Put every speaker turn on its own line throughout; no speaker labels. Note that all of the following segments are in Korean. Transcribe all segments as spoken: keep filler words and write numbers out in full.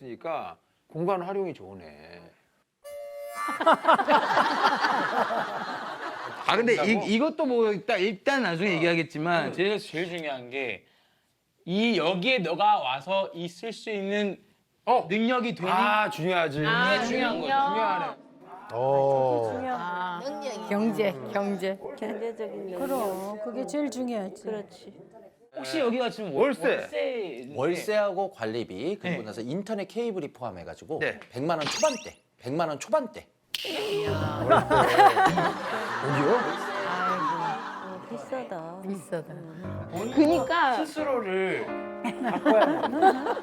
있으니까 공간 활용이 좋으네.
아 근데 이, 이것도 뭐 일단, 일단 나중에 얘기하겠지만
음. 제일 제일 중요한 게 이 여기에 너가 와서 있을 수 있는
어,
능력이 되니
아 중요하지.
이게 중요한 거죠.
중요하네.
어.
경제, 경제.
경제적인 능력.
그럼 그게 제일 중요하지.
그렇지.
혹시 여기가 지금
월세.
월세
월세하고 관리비 그리고
네.
나서 인터넷 케이블이 포함해가지고
네.
백만 원 초반대, 백만 원 초반대.
어디요?
어, 비싸다.
비싸다.
그니까
스스로를 바꿔야 돼.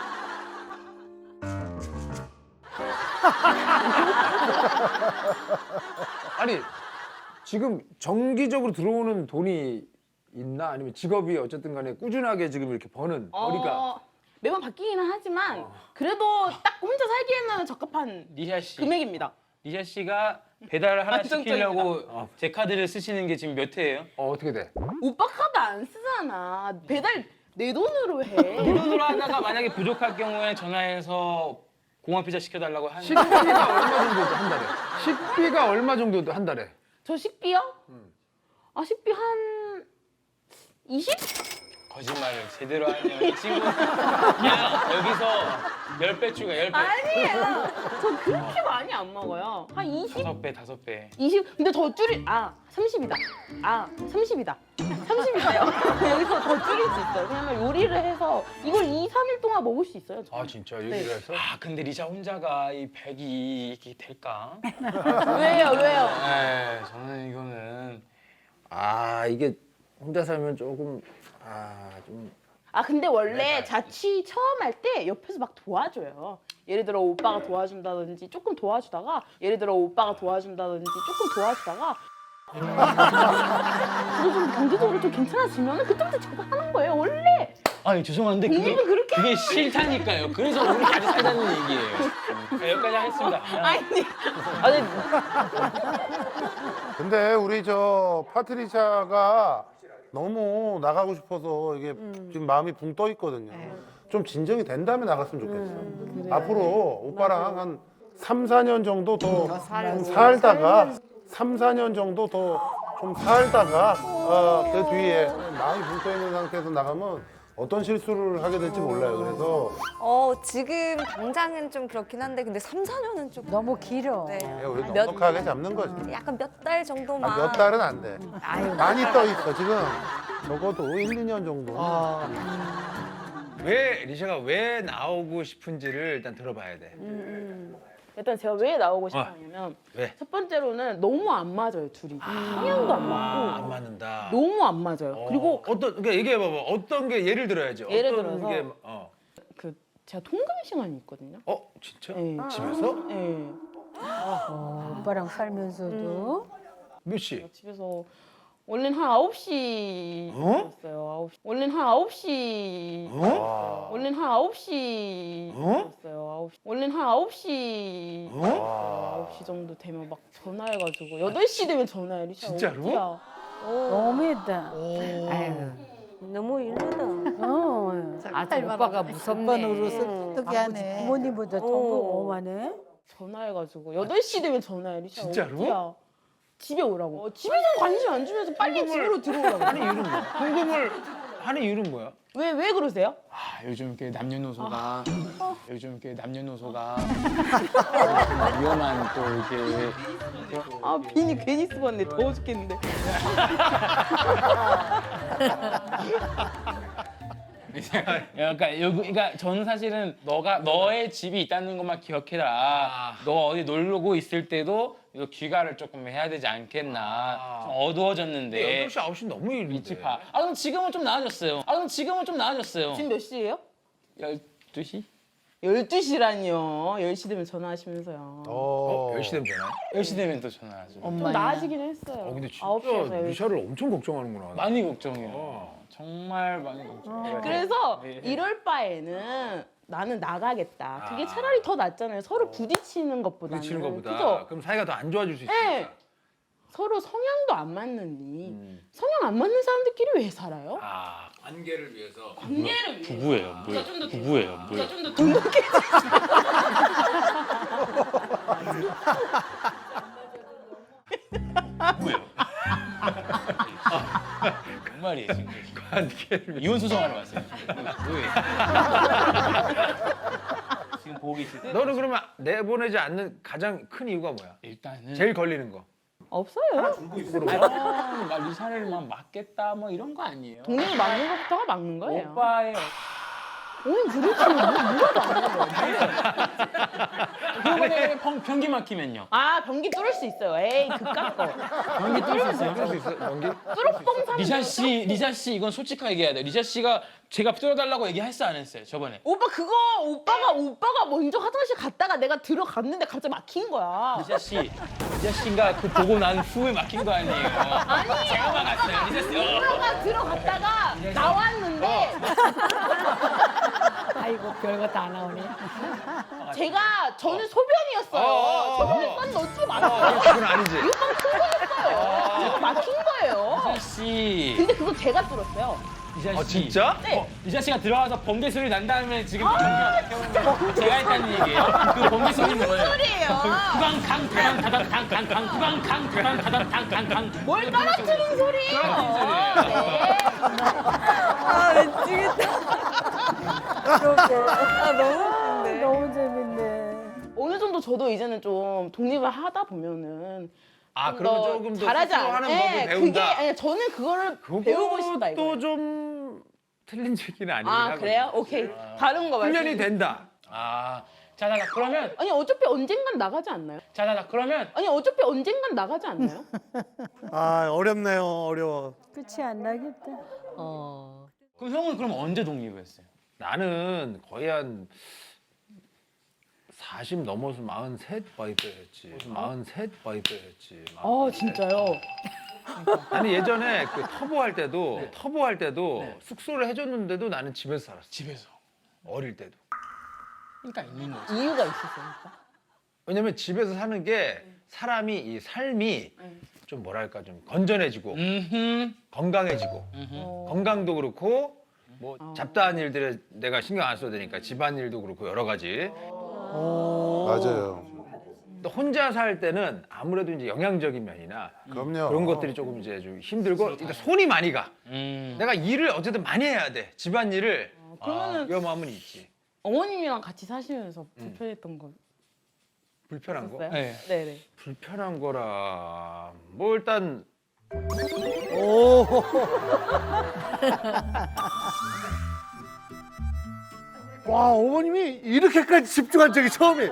아니 지금 정기적으로 들어오는 돈이 있나 아니면 직업이 어쨌든 간에 꾸준하게 지금 이렇게 버는 머리가
어, 매번 바뀌기는 하지만 그래도 딱 혼자 살기에는 적합한
리샤 씨.
금액입니다.
리샤 씨가 배달을 하나
안정적이다.
시키려고 제 카드를 쓰시는 게 지금 몇 회예요?
어, 어떻게 돼?
오빠 카드 안 쓰잖아. 배달 내 돈으로 해.
돈으로 하다가 만약에 부족할 경우에 전화해서 공항 피자 시켜달라고 하는
식비가 얼마 정도 한 달에? 식비가 얼마 정도 한 달에?
저 식비요? 아 식비 한 이십?
거짓말을 제대로 하면 이 친구 그냥 여기서 열 배 추가 열 배
아니에요. 저 그렇게 많이 안 먹어요. 한 이십?
다섯 배 다섯 배
이십? 근데 더 줄이 아 삼십이다. 아 삼십이다. 삼십이다요. 여기서 더 줄일 수 있어요. 왜냐면 요리를 해서 이걸 이, 삼 일 동안 먹을 수 있어요. 저는.
아 진짜 얘기를
네.
해서?
아 근데 리샤 혼자가 이 백이 이게 될까?
왜요? 왜요?
네 저는 이거는
아 이게 혼자 살면 조금 아좀
아 근데 원래
네,
자취 처음 할 때 옆에서 막 도와줘요. 예를 들어 오빠가 도와준다든지 조금 도와주다가 예를 들어 오빠가 도와준다든지 조금 도와주다가 그래도 좀 경제적으로 좀 괜찮아지면 그때부터 제가 하는 거예요. 원래
아니 죄송한데 그게,
공부는 그렇게
그게 싫다니까요. 그래서 우리 같이 살자는 얘기예요. 네, 여기까지 하겠습니다.
아니 아니
근데 우리 저 파트리샤가 너무 나가고 싶어서 이게 지금 마음이 붕 떠 있거든요. 좀 진정이 된 다음에 나갔으면 좋겠어. 앞으로 오빠랑 한 삼, 사 년 정도 더 좀 살다가 삼, 사 년 정도 더 좀 살다가 어, 그 뒤에 마음이 붕 떠 있는 상태에서 나가면 어떤 실수를 하게 될지 몰라요. 그래서
어, 지금 당장은 좀 그렇긴 한데 근데 삼, 사 년은 좀
너무 길어.
네.
우리
몇-
넉넉하게 잡는 거지.
약간 몇 달 정도만
아, 몇 달은 안 돼.
아유,
많이 떠 있어 지금. 적어도 일, 이 년 정도.
왜 리샤가 왜 나오고 싶은지를 일단 들어봐야 돼.
일단 제가 왜 나오고 싶었냐면
왜?
첫 번째로는 너무 안 맞아요 둘이. 성향도 안
아,
맞고
안 맞는다.
너무 안 맞아요. 그리고
어떤 그러니까 얘기해봐봐. 어떤 게 예를 들어야지.
예를
어떤
들어서
게 어.
그 제가 통금 시간이 있거든요.
어 진짜?
네.
집에서?
네.
어, 오빠랑 살면서도
몇 시?
집에서 원래는 한 아홉 시였어요. 아홉 시. 원래는 한 아홉 시.
어?
원래는 한 아홉 시였어요. 아홉 시. 원래는 한 아홉 시. 아홉 시 정도 되면 막 전화해가지고 여덟 시 되면 전화해. 리샤
진짜로?
어디야?
너무했다.
아유,
너무 일르다.
어.
아주 오빠가 무섭네.
오빠 노릇을 어떻게 하네. 부모님보다 더 어마네.
전화해가지고 여덟 시 되면 전화해. 리샤
진짜로?
어디야? 집에 오라고. 어, 집에서 관심 안 주면서 빨리 집으로 들어오라고.
하는 이유는 뭐야? 궁금을 하는 이유는 뭐야?
왜, 왜 그러세요?
아, 요즘 그 남녀노소가 요즘 그 남녀노소가 위험한 또 이렇게
아, 비니 괜히 쓰고 왔네. 더워 죽겠는데.
그러니까 여기 그러니까 저는 사실은 너가 너의 집이 있다는 것만 기억해라. 너 어디 놀고 있을 때도 이거 귀가를 조금 해야 되지 않겠나. 좀 어두워졌는데.
여덟 시 아홉 시 너무 일인데.
미치파. 아 그럼 지금은 좀 나아졌어요. 아 그럼 지금은 좀 나아졌어요.
지금 몇 시예요?
열두 시?
열두 시라니요. 열 시 되면 전화하시면서요.
어.
열 시 되면 되나?
열 시 되면 또 전화하죠.
좀 나아지긴 했어요.
어 근데
아홉
진짜
시에서 열 시.
리샤를 엄청 걱정하는구나.
많이 걱정해요. 정말 많이 걱정해요.
그래서
네.
이럴 바에는 나는 나가겠다. 그게 차라리 더 낫잖아요. 서로 부딪히는 것보다는.
부딪히는 것보다.
그죠?
그럼 사이가 더 안 좋아질 수 있어.
네. 서로 성향도 안 맞는니
음.
성향 안 맞는 사람들끼리 왜 살아요?
아 관계를 위해서.
관계를 위해.
부부예요. 뭘? 부부예요. 뭘?
좀더 돈독해.
부부예요. 뭔 말이에요 지금?
관계를
이혼 소송하러 왔어요. 뭐예요? 지금 보고 계실 때
너는 그러면 내보내지 않는 가장 큰 이유가 뭐야?
일단은
제일 걸리는 거.
없어요.
아, 막 리사를 막 맞겠다 뭐 이런 거 아니에요.
독립을 막는 것부터가 막는 거예요.
오빠의
오늘 그렇지 뭐 누가 막는
그거에 변기 막히면요.
아 변기 뚫을 수 있어요. 에이 그깟 거.
변기 뚫을 수 있어요.
할 수 있어? 연기?
뚫어뻥 사.
리사 씨, 리사 씨 이건 솔직하게 얘기해야 돼. 리사 씨가 제가 뚫어달라고 얘기했어 안 했어요 저번에?
오빠 그거 오빠가 오빠가 먼저 화장실 갔다가 내가 들어갔는데 갑자기 막힌 거야.
리사 씨, 리사 씨가 그 보고 난 후에 막힌 거 아니에요?
아니
제가 막았어요. 리사 씨. 어.
들어가 들어갔다가 나왔는데
아이고 별거 다 나오네.
제가 저는 소변이었어요.
어.
소변에 싼 넣지
어,
말았어요.
그건 아니지.
이거만 큰 거였어요. 제가 막힌 거예요.
리사 씨.
근데 그거 제가 뚫었어요.
리사 씨.
아, 진짜?
네.
어, 리사 씨가 들어가서 번개 소리 난 다음에 지금 경기가 제가 했다는 얘기예요. 그 번개 소리는 뭐예요?
소리예요.
구강강 대강 다당 강강강 구강강 대강 다당 강강강
뭘 떨어뜨린 소리예요. 네.
아 미치겠다. 아 너무 웃긴데.
너무 재밌네.
어느 정도 저도 이제는 좀 독립을 하다 보면은
아,
좀
그러면
더
조금 더
잘하지
스스로
않-
하는
네,
법을 배운다.
그게 아니, 저는 그거를 배우고 싶다 이거.
그것도 좀 틀린 얘기는 아니긴
아
하거든.
그래요? 오케이. 다른 거 말씀.
훈련이 된다.
아, 자자자 그러면
아니 어차피 언젠간 나가지 않나요?
자자자 그러면
아니 어차피 언젠간 나가지 않나요?
아 어렵네요. 어려워.
끝이 안 나겠다.
어.
그럼 형은 그럼 언제 독립했어요?
나는 거의 한 사십 넘어서 마흔셋 바이브였지. 마흔셋 바이브였지.
아 진짜요?
아니 예전에 그 터보 할 때도 터보 할 때도
네.
숙소를 해줬는데도 나는 집에서 살았어.
집에서.
어릴 때도.
그러니까 있는 거지.
이유가 있었으니까.
왜냐면 집에서 사는 게 사람이 이 삶이 좀 뭐랄까 좀 건전해지고
음흠.
건강해지고
음흠.
건강도 그렇고 뭐 잡다한 일들에 내가 신경 안 써도 되니까 집안일도 그렇고 여러 가지.
맞아요.
또 혼자 살 때는 아무래도 이제 영양적인 면이나
그럼요.
그런 것들이 조금 이제 좀 힘들고 일단 손이 많이 가.
음.
내가 일을 어쨌든 많이 해야 돼. 집안일을.
그러면은
위험함은 있지.
어머님이랑 같이 사시면서 불편했던 거
불편한 거?
있었어요?
네.
네네.
불편한 거라 뭐 일단
와 어머님이 이렇게까지 집중한 적이 처음이에요.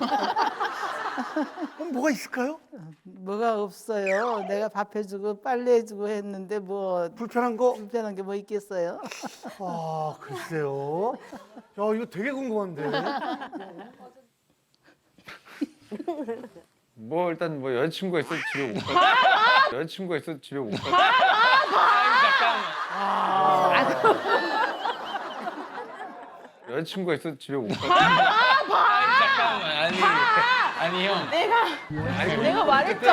그럼 뭐가 있을까요?
뭐가 없어요. 내가 밥 해주고 빨래 해주고 했는데 뭐
불편한 거?
불편한 게 뭐 있겠어요?
아 글쎄요. 야 이거 되게 궁금한데.
뭐 일단 뭐 여자친구가 있어도 집에 못 가. 여자친구가 있어도 집에 못 가. 여자친구가 있어도 집에 못 가.
아니, 잠깐만. 아니. 아니 형.
내가 내가 말했죠.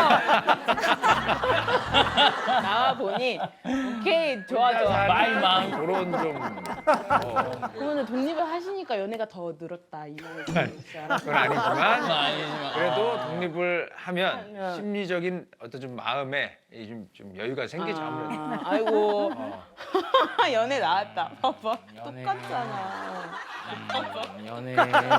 나와 보니 오케이 좋아 좋아.
마이 마음.
그런 좀 어,
그러면 독립을 하시니까 연애가 더 늘었다 이 말을 들으시지 않았어요?
그건 아니지만
아니지만.
그래도 독립을 하면
하면.
심리적인 어떤 좀 마음에 이 좀, 좀 여유가 생기죠 아무래도.
아, 아이고
어.
연애 나왔다. 봐봐
연애.
똑같잖아.
음, 연애.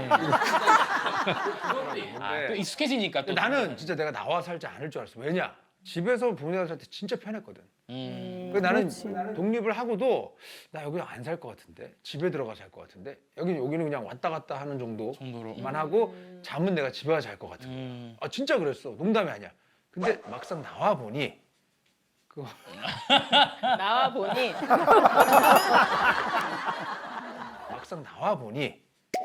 아, 또
근데
익숙해지니까 또.
나는 진짜 내가 나와 살지 않을 줄 알았어. 왜냐? 집에서 부모님과 살 때 진짜 편했거든.
음.
그래서 나는 독립을 하고도 나 여기 안 살 것 같은데 집에 들어가 살 것 같은데 여기 여기는 그냥 왔다 갔다 하는 정도만
정도로.
하고 잠은 내가 집에 가서 잘 것 같아.
음.
아 진짜 그랬어. 농담이 아니야. 근데 막상 나와 보니 그거
나와 보니
막상 나와 보니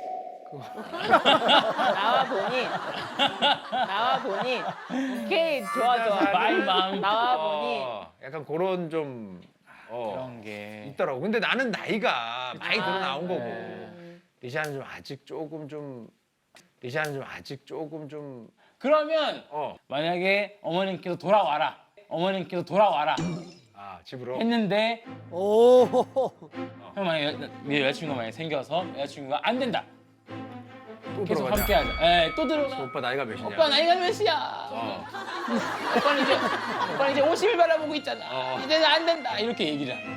나와 보니 나와 보니 오케이 좋아 좋아.
마이 마음.
나와 보니
어, 약간 그런 좀 어,
그런 게.
있더라고. 근데 나는 나이가 많이 들어 나온 거고
네.
리샤는 좀 아직 조금 좀 리샤는 좀 아직 조금 좀
그러면
어.
만약에 어머님께서 돌아와라. 어머님께서 돌아와라.
아, 아 집으로.
했는데
오.
형 만약에 여- 네 여자친구가 만약에 생겨서 여자친구가 안 된다.
또
계속
들어가자.
함께하자. 예, 또 들어가.
오빠 나이가 몇이냐?
오빠 나이가 몇이야?
어.
오빠는 이제 오빠는 이제 오십을 바라보고 있잖아.
어.
이제는 안 된다. 이렇게 얘기를 하는.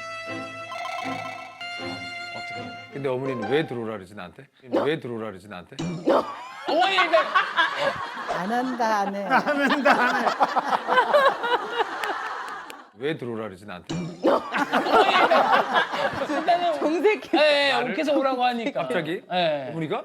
어떻게?
근데 어머니는 왜 들어오라 그러지 나한테? 왜 들어오라 그러지 나한테?
어머니가
안 한다 안 해.
왜 들어오라 그러지 나한테?
일단은
정색해.
예, 예, 옥해서 오라고 하니까.
갑자기?
예.
어머니가?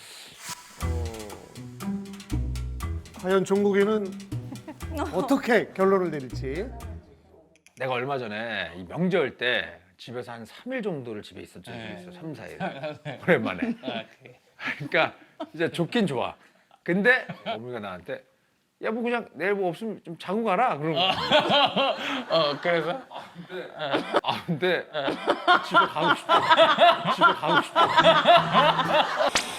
과연 종국이는 어떻게 결론을 내릴지.
내가 얼마 전에 이 명절 때 집에서 한 삼 일 정도를 집에 있었던 적이
네.
있어. 삼, 사 일. 오랜만에.
아, 그래.
그러니까 이제 좋긴 좋아. 근데 어머니가 나한테 야 뭐 그냥 내일 뭐 없으면 좀 자고 가라 그러는 거야.
어, 그래서
아 근데 집에 가고 싶다. 집에 가고 싶다.